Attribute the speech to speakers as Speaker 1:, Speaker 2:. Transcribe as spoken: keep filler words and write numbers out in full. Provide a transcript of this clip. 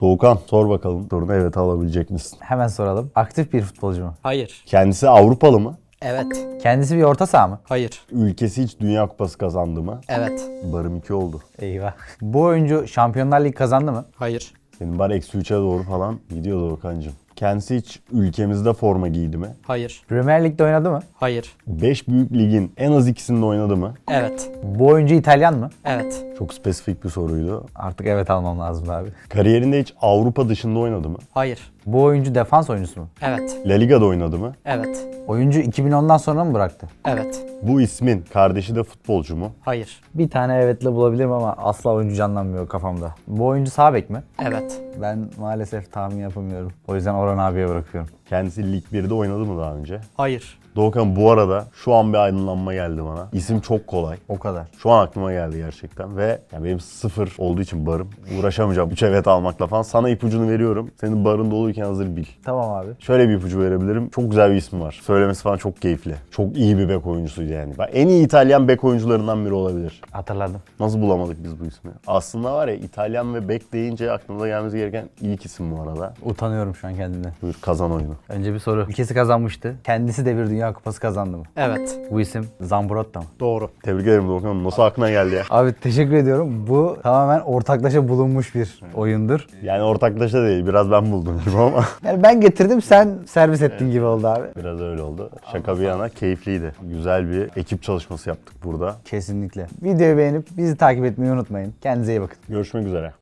Speaker 1: Doğukan sor bakalım. Sorunu evet alabilecek misin?
Speaker 2: Hemen soralım. Aktif bir futbolcu mu?
Speaker 3: Hayır.
Speaker 1: Kendisi Avrupalı mı?
Speaker 3: Evet.
Speaker 2: Kendisi bir orta saha mı?
Speaker 3: Hayır.
Speaker 1: Ülkesi hiç Dünya Kupası kazandı mı?
Speaker 3: Evet.
Speaker 1: Barım iki oldu.
Speaker 2: Eyvah. Bu oyuncu Şampiyonlar Ligi kazandı mı?
Speaker 3: Hayır.
Speaker 1: Senin bar eksi üçe doğru falan gidiyor Doğukan'cığım. Kendisi hiç ülkemizde forma giydi mi?
Speaker 3: Hayır.
Speaker 2: Premier Lig'de oynadı mı?
Speaker 3: Hayır.
Speaker 1: beş büyük ligin en az ikisinde oynadı mı?
Speaker 3: Evet.
Speaker 2: Bu oyuncu İtalyan mı?
Speaker 3: Evet.
Speaker 1: Çok spesifik bir soruydu.
Speaker 2: Artık evet almam lazım abi.
Speaker 1: Kariyerinde hiç Avrupa dışında oynadı mı?
Speaker 3: Hayır.
Speaker 2: Bu oyuncu defans oyuncusu mu?
Speaker 3: Evet.
Speaker 1: La Liga'da oynadı mı?
Speaker 3: Evet.
Speaker 2: Oyuncu iki bin ondan sonra mı bıraktı?
Speaker 3: Evet.
Speaker 1: Bu ismin kardeşi de futbolcu mu?
Speaker 3: Hayır.
Speaker 2: Bir tane evetle bulabilirim ama asla oyuncu canlanmıyor kafamda. Bu oyuncu sağ bek mi?
Speaker 3: Evet.
Speaker 2: Ben maalesef tahmin yapamıyorum. O yüzden Orhan abiye bırakıyorum.
Speaker 1: Kendisi Lig birde oynadı mı daha önce?
Speaker 3: Hayır.
Speaker 1: Doğukan bu arada şu an bir aydınlanma geldi bana. İsim çok kolay.
Speaker 2: O kadar.
Speaker 1: Şu an aklıma geldi gerçekten ve yani benim sıfır olduğu için barım. Uğraşamayacağım üç evet almakla falan. Sana ipucunu veriyorum. Senin barın doluyken hazır bil.
Speaker 2: Tamam abi.
Speaker 1: Şöyle bir ipucu verebilirim. Çok güzel bir ismi var. Söylemesi falan çok keyifli. Çok iyi bir bek oyuncusuydu yani. Bak, en iyi İtalyan bek oyuncularından biri olabilir.
Speaker 2: Hatırladım.
Speaker 1: Nasıl bulamadık biz bu ismi? Aslında var ya İtalyan ve bek deyince aklımıza gelmesi gereken ilk isim bu arada.
Speaker 2: Utanıyorum şu an kendimden.
Speaker 1: Buyur kazan oyunu.
Speaker 2: Önce bir soru. Ülkesi kazanmıştı. Kendisi de bir Dünya Kupası kazandı mı?
Speaker 3: Evet.
Speaker 2: Bu isim Zambrotta mı?
Speaker 3: Doğru.
Speaker 1: Tebrik ederim Doğukan. Nasıl aklına geldi ya?
Speaker 2: Abi teşekkür ediyorum. Bu tamamen ortaklaşa bulunmuş bir oyundur.
Speaker 1: Yani ortaklaşa değil. Biraz ben buldum gibi ama.
Speaker 2: Yani ben getirdim, sen servis ettin gibi oldu abi.
Speaker 1: Biraz öyle oldu. Şaka bir yana keyifliydi. Güzel bir ekip çalışması yaptık burada.
Speaker 2: Kesinlikle. Videoyu beğenip bizi takip etmeyi unutmayın. Kendinize iyi bakın.
Speaker 1: Görüşmek üzere.